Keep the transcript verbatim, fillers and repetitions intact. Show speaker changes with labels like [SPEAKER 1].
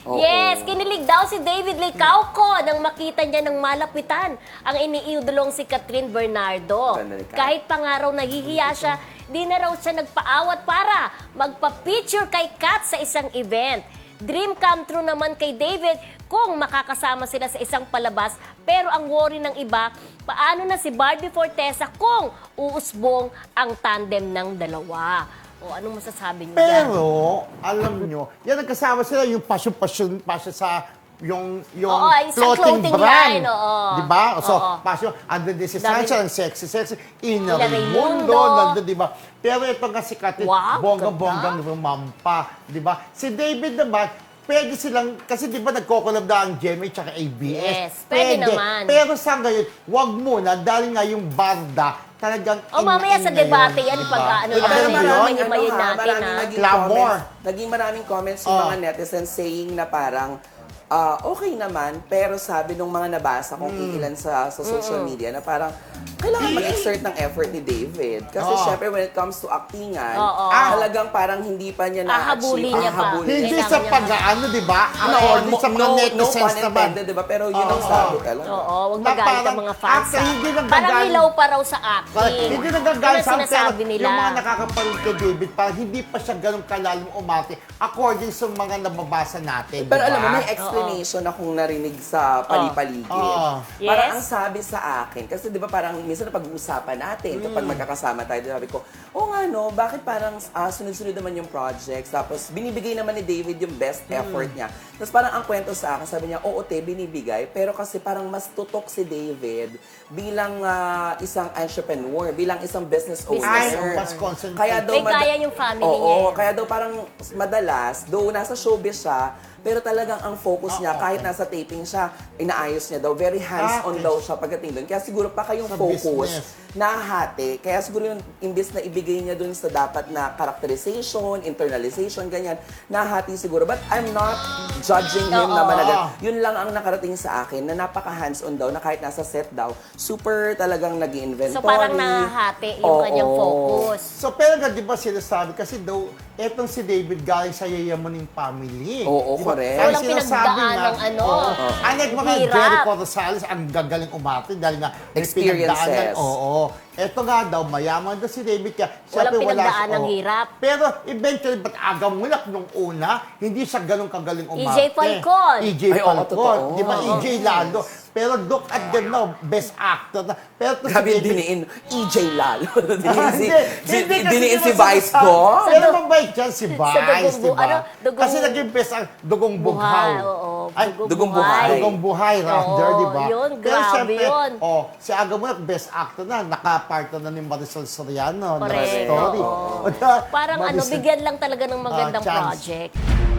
[SPEAKER 1] Oo.
[SPEAKER 2] Yes, kinilig daw si David Licauco nang makita niya ng malapitan ang iniidolong si Catherine Bernardo.
[SPEAKER 1] Ganda ni Kat.
[SPEAKER 2] Kahit pa nga raw nahihiya siya, di na raw siya nagpaawat para magpa-picture kay Kat sa isang event. Dream come true naman kay David kung makakasama sila sa isang palabas, pero ang worry ng iba, paano na si Barbie Fortesa kung uusbong ang tandem ng dalawa? O anong masasabi niyo dyan?
[SPEAKER 3] Pero, alam nyo, yan nagkasama sila yung passion-passion passion sa yung yung
[SPEAKER 2] Oo, isang
[SPEAKER 3] clothing,
[SPEAKER 2] clothing
[SPEAKER 3] brand.
[SPEAKER 2] line, oo.
[SPEAKER 3] Di ba? So,
[SPEAKER 2] Oo.
[SPEAKER 3] passion, under this
[SPEAKER 2] Dami-
[SPEAKER 3] essential, ang sexy, sexy, Ina
[SPEAKER 2] Ina
[SPEAKER 3] Raimundo,
[SPEAKER 2] Raimundo.
[SPEAKER 3] nandun, di ba? Pero ito nga si Catherine,
[SPEAKER 2] Wow,
[SPEAKER 3] bonggang-bonggang rumampa, di ba? Si David naman, pwede silang, kasi di ba nagko-collab na ang G M A tsaka A B S?
[SPEAKER 2] Yes, pwede naman.
[SPEAKER 3] Pero sa ngayon, wag muna, dahil nga yung Barda, talagang
[SPEAKER 2] O mamaya sa
[SPEAKER 3] in-in
[SPEAKER 2] debate
[SPEAKER 3] ngayon,
[SPEAKER 2] yan,
[SPEAKER 3] di
[SPEAKER 2] pag
[SPEAKER 3] ba?
[SPEAKER 2] ano
[SPEAKER 3] Alam
[SPEAKER 2] natin,
[SPEAKER 3] mo yun?
[SPEAKER 2] maraming ibayin
[SPEAKER 1] ha,
[SPEAKER 2] natin,
[SPEAKER 1] maraming
[SPEAKER 2] ha?
[SPEAKER 1] naging
[SPEAKER 3] Clamor.
[SPEAKER 1] comments, naging maraming comments yung
[SPEAKER 3] Oh.
[SPEAKER 1] mga netizens saying na parang, ah, okay naman, pero sabi nung mga nabasa kong ilan sa, sa social media na parang, kailangan mag-exert ng effort ni David. Kasi
[SPEAKER 3] Oh.
[SPEAKER 1] syempre when it comes to actingan,
[SPEAKER 2] Oo.
[SPEAKER 1] talagang parang hindi pa niya na-achieve.
[SPEAKER 2] Ahabulin niya pa.
[SPEAKER 1] Ahabulin.
[SPEAKER 3] Hindi
[SPEAKER 2] Kailangan
[SPEAKER 3] sa
[SPEAKER 2] niya-
[SPEAKER 3] pag-ano, di ba? Ang
[SPEAKER 1] No,
[SPEAKER 3] order
[SPEAKER 1] no,
[SPEAKER 3] sa mga
[SPEAKER 1] no, no
[SPEAKER 3] netizens
[SPEAKER 1] pun
[SPEAKER 3] naman.
[SPEAKER 1] intended, di ba? Pero yun ang
[SPEAKER 3] Oo.
[SPEAKER 1] sabi talaga.
[SPEAKER 2] Oo, wag
[SPEAKER 3] Na
[SPEAKER 2] magalit ang
[SPEAKER 3] parang
[SPEAKER 2] mga fans.
[SPEAKER 3] after,
[SPEAKER 2] ha?
[SPEAKER 3] hindi nagagalit.
[SPEAKER 2] Parang hilaw pa raw sa acting.
[SPEAKER 3] Correct. Hindi nagagalit
[SPEAKER 2] Yun ang
[SPEAKER 3] sa
[SPEAKER 2] sinasabi
[SPEAKER 3] pero
[SPEAKER 2] nila.
[SPEAKER 3] yung mga nakakapanood kay David, parang hindi pa siya ganun kalalim umati according sa mga nababasa natin.
[SPEAKER 1] Pero
[SPEAKER 3] di
[SPEAKER 1] alam mo,
[SPEAKER 3] ba?
[SPEAKER 1] may explanation akong narinig sa palipaligid.
[SPEAKER 3] Oo.
[SPEAKER 1] Parang
[SPEAKER 2] Yes.
[SPEAKER 1] ang sabi sa akin, kasi di ba parang minsan pag-uusapan natin, kapag magkakasama tayo, sabi ko, oh nga no, bakit parang ah, sunod-sunod naman yung projects, tapos binibigay naman ni David yung best effort niya. Tapos parang ang kwento sa akin, sabi niya, oo te, binibigay, pero kasi parang mas tutok si David bilang ah, isang entrepreneur, bilang isang business owner.
[SPEAKER 2] Business
[SPEAKER 3] owner. Mas concentrate.
[SPEAKER 1] Kaya daw
[SPEAKER 2] May
[SPEAKER 1] mad-
[SPEAKER 2] kaya yung family
[SPEAKER 1] Oo,
[SPEAKER 2] niya eh.
[SPEAKER 1] kaya daw parang madalas, though nasa showbiz siya, pero talagang ang focus niya,
[SPEAKER 3] Ah,
[SPEAKER 1] kahit nasa taping siya, inaayos niya daw. Very hands-on
[SPEAKER 3] Ah,
[SPEAKER 1] daw siya pagdating doon. Kaya siguro pa kayong
[SPEAKER 3] Sa
[SPEAKER 1] focus,
[SPEAKER 3] business.
[SPEAKER 1] nahahati. Kaya siguro yung imbis na ibigay niya doon sa dapat na characterization, internalization, ganyan, nahahati siguro. But I'm not judging him
[SPEAKER 2] Oo.
[SPEAKER 1] naman agad. Yun lang ang nakarating sa akin, na napaka hands-on daw, na kahit nasa set daw, super talagang nag-inventory.
[SPEAKER 2] So parang nahahati yung
[SPEAKER 1] Oo.
[SPEAKER 2] kanyang focus.
[SPEAKER 3] So, pero nga, di ba sinasabi, kasi daw, etong si David galing sa yayamuning family.
[SPEAKER 1] Oo,
[SPEAKER 3] Di ba?
[SPEAKER 1] correct.
[SPEAKER 3] Ang
[SPEAKER 2] Walang
[SPEAKER 3] sinasabi
[SPEAKER 2] pinagdaan
[SPEAKER 3] nga,
[SPEAKER 2] ng ano,
[SPEAKER 3] oo. Unlike mga
[SPEAKER 2] hirap.
[SPEAKER 3] Jericho Rosales, ang gagaling umarte dahil nga may
[SPEAKER 1] Experiences.
[SPEAKER 3] pinagdaanan. Oo. Eto nga daw, mayaman daw si David. Kaya,
[SPEAKER 2] Walang
[SPEAKER 3] syempre, wala
[SPEAKER 2] pinagdaan
[SPEAKER 3] siya-
[SPEAKER 2] ng
[SPEAKER 3] oo.
[SPEAKER 2] hirap.
[SPEAKER 3] Pero eventually, ba't aga mulak nung una, hindi siya ganun kagaling
[SPEAKER 2] E J
[SPEAKER 3] umarte.
[SPEAKER 2] Falcon.
[SPEAKER 3] E J
[SPEAKER 1] Ay, oo,
[SPEAKER 3] Falcon.
[SPEAKER 1] totoo.
[SPEAKER 3] Di ba? E J Lalo. Pero look at them now, best actor na. Pero to si
[SPEAKER 1] Grabe yung
[SPEAKER 3] David-
[SPEAKER 1] diniin, E J Lalo. diniin si,
[SPEAKER 3] Hindi,
[SPEAKER 1] si,
[SPEAKER 3] hindi kasi
[SPEAKER 1] diniin si
[SPEAKER 3] di ba
[SPEAKER 1] Vice
[SPEAKER 3] sinasabi-
[SPEAKER 1] ko.
[SPEAKER 3] Pero mabait dyan si Vice,
[SPEAKER 2] dugong
[SPEAKER 3] di
[SPEAKER 2] bu-
[SPEAKER 3] ba?
[SPEAKER 2] ano, dugong-
[SPEAKER 3] Kasi naging best ang dugong bughaw.
[SPEAKER 2] Buhay, oo.
[SPEAKER 3] Ay,
[SPEAKER 2] Dugong
[SPEAKER 1] dugong
[SPEAKER 2] buhay.
[SPEAKER 1] buhay.
[SPEAKER 3] Dugong buhay, rather,
[SPEAKER 2] Oo,
[SPEAKER 3] di ba?
[SPEAKER 2] yun,
[SPEAKER 3] Pero
[SPEAKER 2] grabe
[SPEAKER 3] syempre,
[SPEAKER 2] yun.
[SPEAKER 3] Oh, si Aga Mulak, best actor na. Nakapartner na ni Marisol Soriano.
[SPEAKER 2] Correct,
[SPEAKER 3] Na story.
[SPEAKER 2] oo.
[SPEAKER 3] O, di ba?
[SPEAKER 2] Parang ano,
[SPEAKER 3] Marisol-
[SPEAKER 2] bigyan lang talaga ng magandang
[SPEAKER 3] Ah, chance.
[SPEAKER 2] project.